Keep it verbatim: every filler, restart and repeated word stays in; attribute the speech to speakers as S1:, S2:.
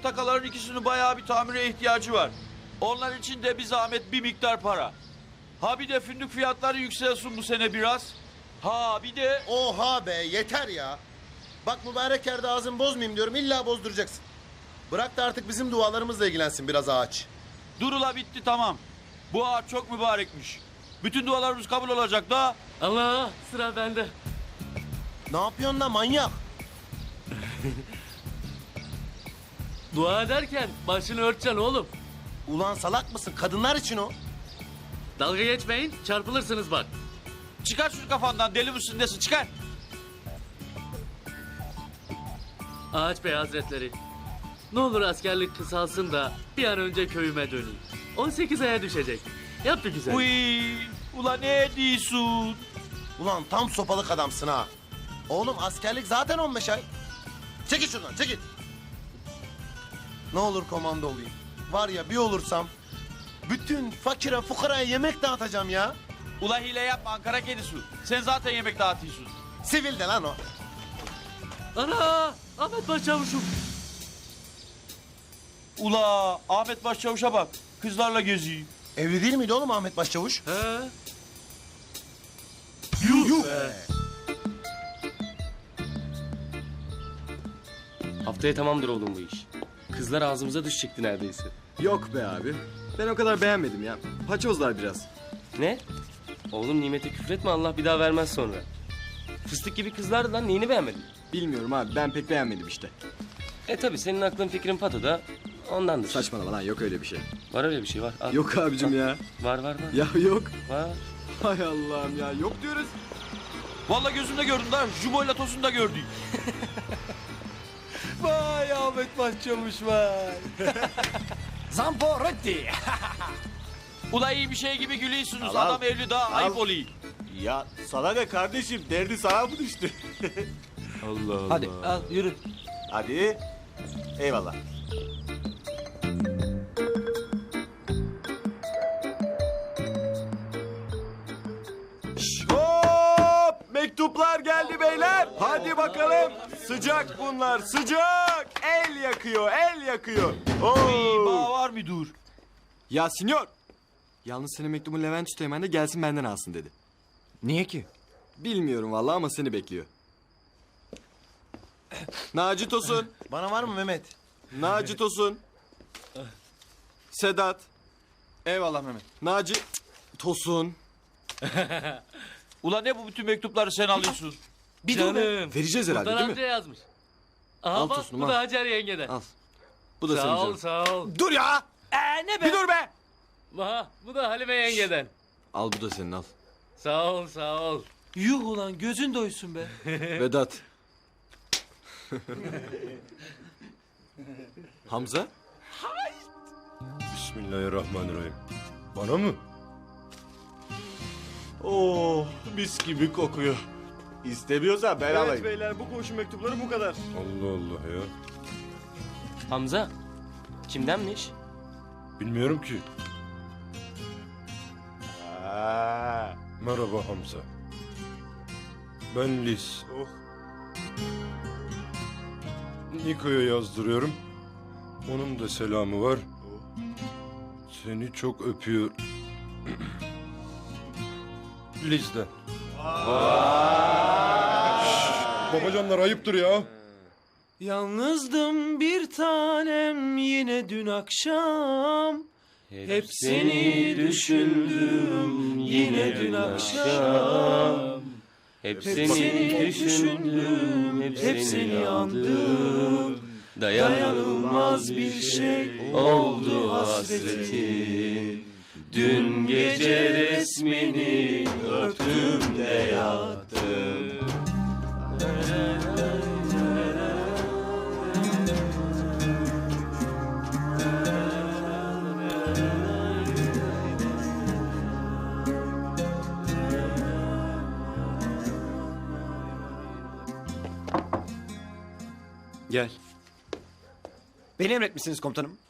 S1: takaların ikisinin bayağı bir tamire ihtiyacı var. Onlar için de bir zahmet bir miktar para. Ha bir de fındık fiyatları yükselsin bu sene biraz. Ha bir de...
S2: Oha be yeter ya. Bak mübarek yerde ağzını bozmayayım diyorum illa bozduracaksın. Bırak da artık bizim dualarımızla ilgilensin biraz ağaç.
S1: Durula bitti tamam. Bu ağaç çok mübarekmiş. Bütün dualarımız kabul olacak da.
S3: Allah, sıra bende.
S2: Ne yapıyorsun lan manyak?
S3: Dua ederken başını örteceksin oğlum.
S2: Ulan salak mısın? Kadınlar için o.
S3: Dalga geçmeyin, çarpılırsınız bak.
S1: Çıkar şunu kafandan, deli misin nesin, çıkar.
S3: Ağaç Bey Hazretleri, ne olur askerlik kısalsın da bir an önce köyüme döneyim. on sekiz aya düşecek. Yap bir güzel.
S1: Uy, ula ne diyorsun?
S2: Ulan tam sopalık adamsın ha. Oğlum askerlik zaten on beş ay. Çekil şuradan çekil. Ne olur komando olayım. Var ya bir olursam bütün fakire fukaraya yemek dağıtacağım ya.
S1: Ula hile yapma Ankara kedisi. Sen zaten yemek dağıtıyorsun.
S2: Sivil de lan o.
S3: Ana! Ahmet Başçavuşum.
S1: Ula Ahmet Başçavuş'a bak, kızlarla geziyor.
S2: Evli değil miydi oğlum Ahmet Başçavuş?
S3: He?
S2: Yuh.
S4: Haftaya tamamdır oğlum bu iş. Kızlar ağzımıza düşecekti neredeyse.
S5: Yok be abi. Ben o kadar beğenmedim ya. Paçozlar biraz.
S4: Ne? Oğlum nimete küfretme, Allah bir daha vermez sonra. Fıstık gibi kızlardı lan, neyini beğenmedin?
S5: Bilmiyorum abi, ben pek beğenmedim işte.
S4: E tabi senin aklın fikrin patoda, ondandır.
S5: Saçmalama lan, yok öyle bir şey.
S4: Var öyle bir şey var. Al.
S5: Yok abicim ya.
S4: Var var var.
S5: Ya yok.
S4: Var.
S5: Hay Allah'ım ya, yok diyoruz.
S1: Vallahi gözümde gördüm da, Jubo'yla Tosun da gördük.
S6: Vay Ahmet Başçavuş vay. Zamporotti.
S1: Ula iyi bir şey gibi gülüyorsunuz,
S6: Al, al.
S1: adam evli daha ayıp
S6: Al.
S1: oluyor.
S6: Ya sana ne kardeşim, derdi sana mı düştü?
S4: Allah Allah.
S6: Hadi al yürü. Hadi. Eyvallah. Hop! Mektuplar geldi beyler. Hadi bakalım. Sıcak bunlar, sıcak. El yakıyor, el yakıyor.
S1: Uy, bağ
S6: Oo.
S1: var mı dur?
S5: Ya sinyor. Yalnız senin mektubun Levent Üsteğmen de gelsin benden alsın dedi.
S6: Niye ki?
S5: Bilmiyorum vallahi ama seni bekliyor. Naci Tosun.
S2: Bana var mı Mehmet?
S5: Naci Tosun. Sedat.
S6: Eyvallah Mehmet.
S5: Naci Tosun.
S1: Ula ne bu bütün mektupları sen alıyorsun?
S3: Bir Canım.
S5: Vereceğiz herhalde
S3: Sultan
S5: değil
S3: amca
S5: mi?
S3: yazmış. Aha
S5: Al
S3: bak,
S5: Tosun'um,
S3: bu
S5: al.
S3: da Hacer yengeden.
S5: Al. Bu da senin
S3: Sağ ol,
S5: canım.
S3: sağ ol.
S6: Dur ya.
S1: Ee ne
S6: Bir dur be.
S3: Aha, bu da Halime yengeden.
S5: Al bu da senin al.
S3: Sağ ol, sağ ol.
S6: Yuh ulan gözün doysun be.
S5: Vedat. Hamza.
S7: Bismillahirrahmanirrahim. Bana mı?
S6: Oh mis gibi kokuyor. İstemiyorsan ben alayım.
S5: beyler, bu koşu mektupları bu kadar.
S7: Allah Allah ya.
S4: Hamza, kimdenmiş?
S7: Bilmiyorum ki.
S6: Ha.
S7: Merhaba Hamza. Ben Liz.
S6: Oh.
S7: Niko'ya yazdırıyorum. Onun da selamı var. Seni çok öpüyor. Liz'den. Şşş, babacanlar ayıptır ya.
S6: Yalnızdım bir tanem yine dün akşam. Hep seni düşündüm yine dün
S4: akşam. Hep
S6: seni
S4: seni
S6: düşündüm,
S4: düşündüm,
S6: hep seni andım.
S4: Dayanılmaz bir şey oldu hasretin. Dün gece resmini öptüm de yattım.
S5: Gel.
S6: Beni emretmişsiniz komutanım.